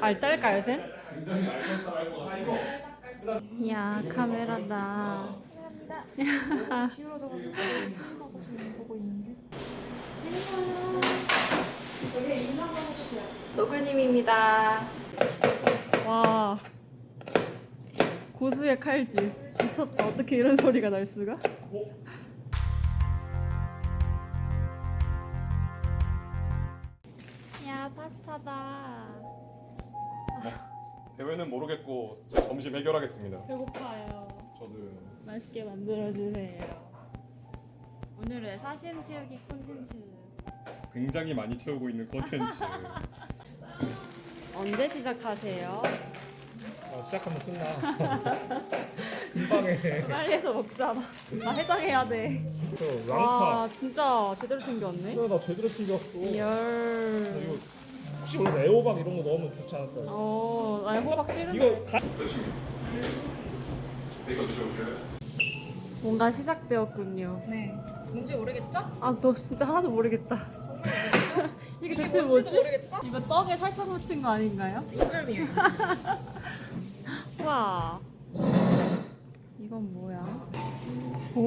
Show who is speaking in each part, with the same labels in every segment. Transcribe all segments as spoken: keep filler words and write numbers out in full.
Speaker 1: 알딸깔센? 야 카메라다.
Speaker 2: 감사합니다. 기울어져가지고 수임하고 지금 보고 있는데. 여기 인사 한번 해주세요.
Speaker 1: 너굴님입니다. 와 고수의 칼질 미쳤다. 어떻게 이런 소리가 날 수가? 야 파스타다.
Speaker 3: 대회는 모르겠고 제 점심 해결하겠습니다.
Speaker 1: 배고파요.
Speaker 3: 저도
Speaker 1: 맛있게 만들어주세요. 오늘의 사심 채우기 콘텐츠
Speaker 3: 굉장히 많이 채우고 있는 콘텐츠.
Speaker 1: 언제 시작하세요?
Speaker 4: 아, 시작하면 끝나. 금방 해.
Speaker 1: 빨리 해서 먹자. 나, 나 해장해야 돼.
Speaker 4: 저
Speaker 1: 와
Speaker 4: 랑파.
Speaker 1: 진짜 제대로 챙겼네.
Speaker 4: 그래 나 제대로 챙겼어.
Speaker 1: 열.
Speaker 4: 이거 혹시 원래 애호박 이런 거 넣으면 좋지 않을까?
Speaker 1: 어, 나 호박 싫은데.
Speaker 4: 이거 가...
Speaker 3: 이거 드셔보세요.
Speaker 1: 뭔가 시작되었군요.
Speaker 2: 네. 뭔지 모르겠죠?
Speaker 1: 아, 너 진짜 하나도 모르겠다. 이게 대체
Speaker 2: 뭔지도
Speaker 1: 뭐지?
Speaker 2: 모르겠죠?
Speaker 1: 이거 떡에 설탕 묻힌 거 아닌가요?
Speaker 2: 인절미예요.
Speaker 1: 와. 이건 뭐야? 오,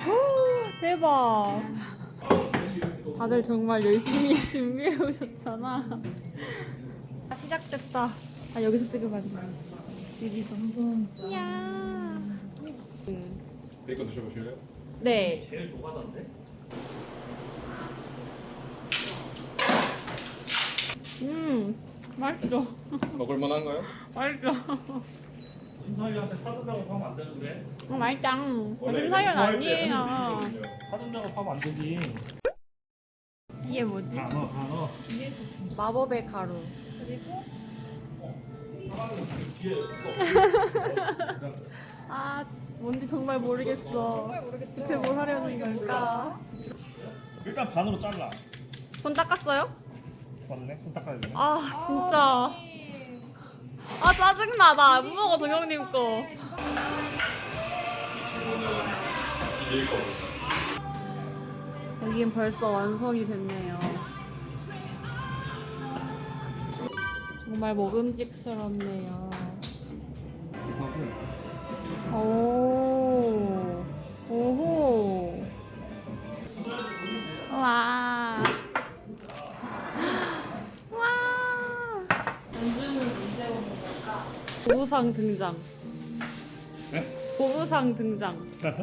Speaker 1: 대박. 다들 정말 열심히 준비해 오셨잖아. 아, 시작됐다. 아, 여기서 찍으면 안 돼. 여기서. 이야. 음.
Speaker 3: 베이컨 드셔보실래요?
Speaker 1: 네.
Speaker 4: 제일 노가다인데?
Speaker 1: 음, 맛있어.
Speaker 3: 먹을만한가요?
Speaker 1: 맛있어.
Speaker 4: 김사위한테 사전 작업하면 안 되는데?
Speaker 1: 어, 맛있다.
Speaker 3: 원래
Speaker 1: 요즘 사연
Speaker 3: 이거 구할 때
Speaker 1: 아니에요.
Speaker 3: 하는 일이거든요.
Speaker 4: 사전 작업하면 안 되지.
Speaker 1: 이게 뭐지?
Speaker 4: 단어 단어.
Speaker 1: 마법의 가루.
Speaker 2: 그리고
Speaker 1: 아, 뭔지 정말 모르겠어.
Speaker 2: 정말 모르겠죠?
Speaker 1: 대체 뭘 하려는 걸까?
Speaker 4: 일단 반으로 잘라.
Speaker 1: 손 닦았어요?
Speaker 4: 맞네. 손 닦아야 되네.
Speaker 1: 아, 진짜. 아, 짜증나. 나 안 먹어, 동영님 거. 여긴 벌써 완성이 됐네요. 정말 먹음직스럽네요. 오, 오호. 와. 와. 보부상 등장.
Speaker 4: 네?
Speaker 1: 보부상 등장.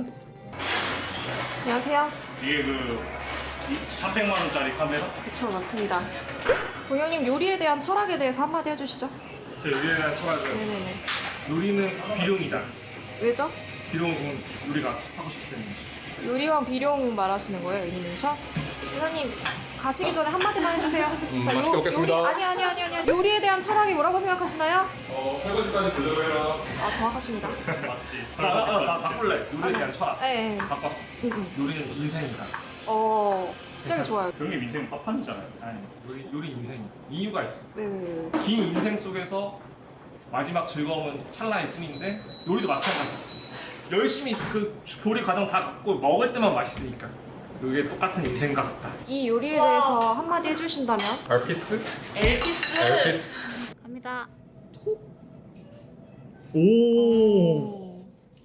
Speaker 2: 안녕하세요.
Speaker 4: 이게 그 삼백만 원짜리 카메라?
Speaker 2: 그쵸, 맞습니다. 동영님 요리에 대한 철학에 대해서 한마디 해주시죠.
Speaker 4: 제 요리에 대한 철학은
Speaker 2: 네네네.
Speaker 4: 요리는 비룡이다.
Speaker 2: 왜죠?
Speaker 4: 비룡은 요리가 하고 싶기 때문에.
Speaker 2: 요리왕 비룡 말하시는 거예요, 애니메이션? 동영님 가시기 전에 한마디만 해주세요.
Speaker 3: 음, 맛있게 먹겠습니다.
Speaker 2: 요리, 아니 아니 아니 아니 요리에 대한 철학이 뭐라고 생각하시나요?
Speaker 3: 어, 설거지까지 조절해라.
Speaker 2: 아 정확하십니다.
Speaker 4: 맞지. 나, 나, 나 바꿀래. 요리에 대한 철학.
Speaker 2: 네.
Speaker 4: 바꿨어.
Speaker 2: 응, 응.
Speaker 4: 요리는 인생이다.
Speaker 2: 어 시작이 좋아요.
Speaker 4: 형님 인생 파판이잖아요. 아니, 요리, 요리 인생이 이유가 있어.
Speaker 2: 네네네.
Speaker 4: 긴 인생 속에서 마지막 즐거움은 찰나일 뿐인데 요리도 마찬가지. 열심히 그 조리 과정 다 갖고 먹을 때만 맛있으니까 그게 똑같은 인생과 같다.
Speaker 2: 이 요리에 대해서 한마디 해주신다면?
Speaker 3: 알피스?
Speaker 2: 엘피스.
Speaker 3: 알피스.
Speaker 1: 갑니다.
Speaker 4: 오.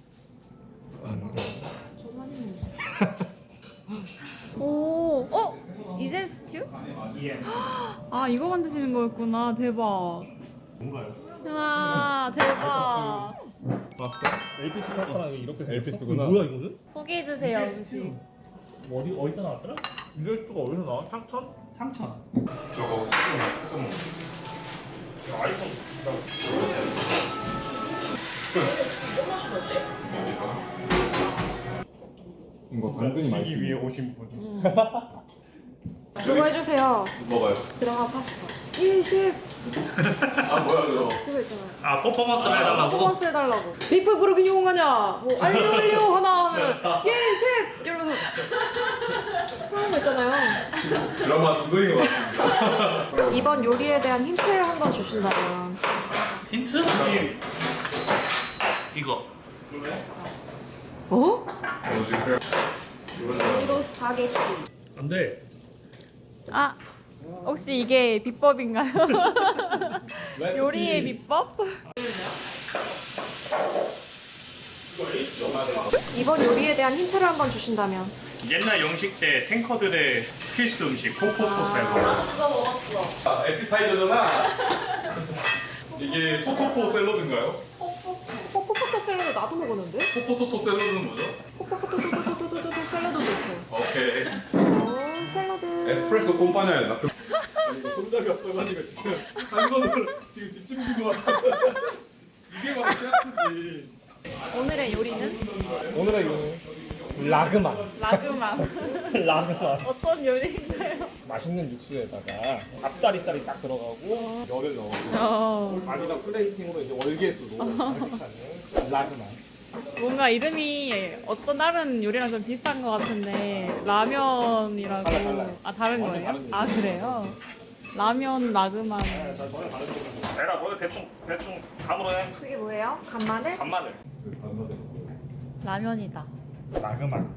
Speaker 1: 오, 어? 이젠 스튜?
Speaker 4: 예.
Speaker 1: 아, 이거 만드시는 거였구나. 대박.
Speaker 4: 뭔가요?
Speaker 1: 와, 대박.
Speaker 3: 파스타?
Speaker 4: 엘피스 파스타랑 이렇게
Speaker 3: 엘피스구나.
Speaker 4: 뭐야 이거는?
Speaker 1: 소개해주세요, 아저씨.
Speaker 4: 뭐 어디 어디다 나왔더라? 인절스가 어디서 나와? 창천? 창천.
Speaker 3: 저거 좀
Speaker 4: 아이폰.
Speaker 3: 어디서? 이거 당근이 많이
Speaker 4: 위해 오신 분.
Speaker 2: 그거 해주세요.
Speaker 3: 먹어요.
Speaker 2: 들어가 파스타. 이십.
Speaker 3: 아 뭐야 그거?
Speaker 2: 그거 있잖아요.
Speaker 4: 아 퍼포먼스를 해달라고?
Speaker 2: 퍼포먼스 해달라고. 비프 그렇게 이용하냐? 뭐 알려 알려 하나 하면 예십 이러면서 그런 거 있잖아요.
Speaker 3: 드라마 중독인 것 같습니다.
Speaker 2: 이번 요리에 대한 힌트를 한번 주신다면.
Speaker 4: 힌트? 이거.
Speaker 2: 어?
Speaker 3: 어 지금
Speaker 2: 이로 스파게티.
Speaker 4: 안 돼.
Speaker 1: 아, 혹시 이게 비법인가요? 요리의 비법?
Speaker 2: 이번 요리에 대한 힌트를 한번 주신다면.
Speaker 4: 옛날 영식 때 탱커들의 필수 음식 포포토 샐러드.
Speaker 3: 아, 에피타이저잖아. 이게 토토포 샐러드인가요?
Speaker 2: 포포토 샐러드 나도 먹었는데?
Speaker 3: 토포토토 샐러드는 뭐죠?
Speaker 2: 포포토토토토토토토 샐러드도 있어요.
Speaker 3: 오케이.
Speaker 2: 오, 샐러드.
Speaker 3: 에스프레소 꼼파냐야 나. 손잡이 없어가지고 지금 한 손으로 지금 뒷짐진 것 같아. 이게 바로 셰프지.
Speaker 1: 오늘의 요리는
Speaker 4: 오늘의 요리 라그만.
Speaker 1: 라그만.
Speaker 4: 라그만.
Speaker 1: 어떤 요리인가요?
Speaker 4: 맛있는 육수에다가 앞다리살이 딱 들어가고 열을 넣어.
Speaker 1: 어,
Speaker 4: 아니다 플레이팅으로 이제 월계수로 장식하는 라그만.
Speaker 1: 뭔가 이름이 어떤 다른 요리랑 좀 비슷한 것 같은데 라면이라고.
Speaker 4: 달라요, 달라요.
Speaker 1: 아 다른
Speaker 4: 완전
Speaker 1: 거예요?
Speaker 4: 다른 요리.
Speaker 1: 아 그래요? 라면 라그만.
Speaker 4: 내가 먼저 대충 대충 감으로 해.
Speaker 2: 그게 뭐예요? 간마늘?
Speaker 4: 간마늘.
Speaker 1: 라면이다.
Speaker 4: 라그만.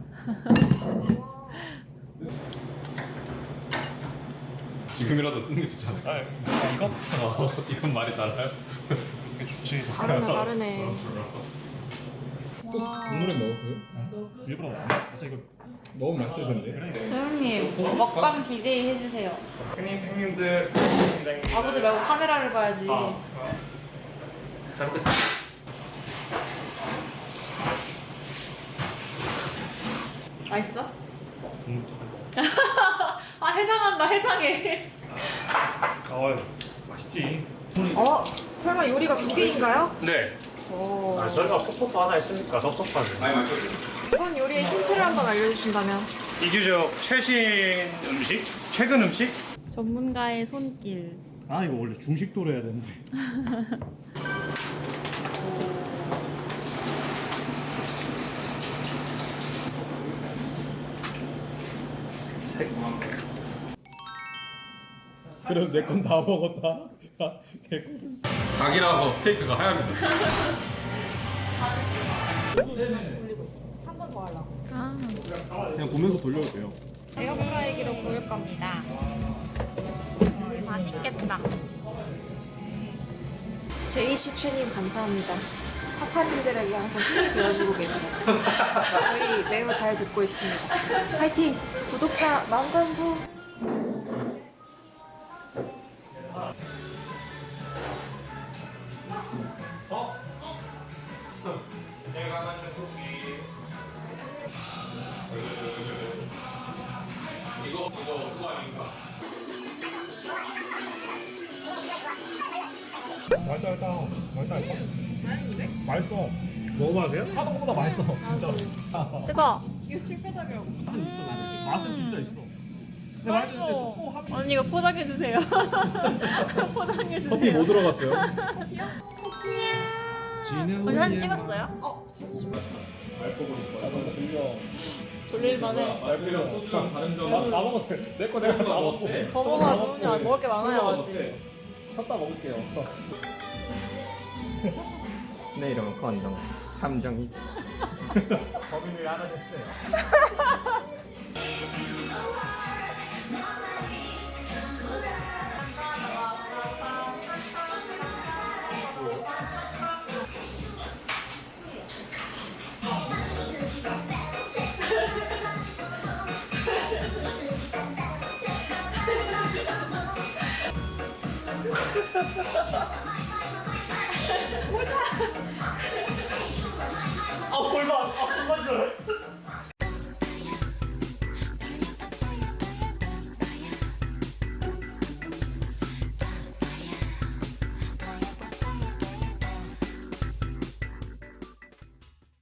Speaker 3: 지금이라도 쓰는 게 좋잖아요.
Speaker 4: 아 이거?
Speaker 3: 어, 이건 말이 달라요.
Speaker 4: 이게 좋지.
Speaker 2: 다르네 다르네.
Speaker 5: 국물에 넣었어요?
Speaker 4: 일부러 안 먹었어. 진짜 이거
Speaker 5: 너무 맛있을 텐데.
Speaker 1: 사장님 먹방 비제이 해주세요.
Speaker 4: 형님 형님들
Speaker 1: 아버지 말고 카메라를 봐야지.
Speaker 4: 아. 잘 먹겠습니다.
Speaker 1: 맛있어?
Speaker 4: 음,
Speaker 1: 아 해상한다 해상해.
Speaker 4: 어 맛있지.
Speaker 2: 어? 설마 요리가 두 개인가요?
Speaker 4: 네.
Speaker 2: 오.
Speaker 4: 아, 저희가 포포토 하나 있으니까 섭섭하지.
Speaker 3: 많이 마셨어요.
Speaker 2: 이번 요리의 힌트를 한번 알려주신다면.
Speaker 4: 이규적 최신 음식? 최근 음식?
Speaker 1: 전문가의 손길.
Speaker 4: 아 이거 원래 중식도로 해야 되는데.
Speaker 5: 그래도 내 건 다 먹었다.
Speaker 3: 닭이라서 스테이크가 하얗습니다.
Speaker 2: 삼 번 더 하려고.
Speaker 1: 아
Speaker 5: 그냥 보면서 돌려도 돼요.
Speaker 1: 에어프라이기로 구울 겁니다. 맛있겠다.
Speaker 2: 제이씨 최님 감사합니다. 파파님들에게 항상 힘이 되어주고 계세요. 저희 매우 잘 듣고 있습니다. 화이팅! 구독자 만관부!
Speaker 4: 내가 만든 쿠키.
Speaker 3: 이거 이거 그거 아닌가?
Speaker 5: 맛있다, 맛있다. 맛있다, 맛있다. 맛있어. 먹어봐도 돼요? 하던 것보다 맛있어, 진짜로.
Speaker 1: 뜨거.
Speaker 5: 맛은 있어. 맛은 진짜 있어. 근데 맛있는데 조금 한
Speaker 1: 언니 이거 포장해 주세요. 포장해 주세요.
Speaker 5: 커피 뭐 들어갔어요? 지는
Speaker 1: 언니 사진 찍었어요? 돌릴만해.
Speaker 3: 말그랑 소주랑 다른 점.
Speaker 5: 다 먹어도 돼. 내 거 내가 다 먹고.
Speaker 1: 더 먹어야 언니 안 먹을 게 많아요 아직.
Speaker 5: 샀다 먹을게요.
Speaker 6: 내 이름은 건정 함정이
Speaker 4: 범인을 알아냈어요. 아 골반, 아 골반 줄.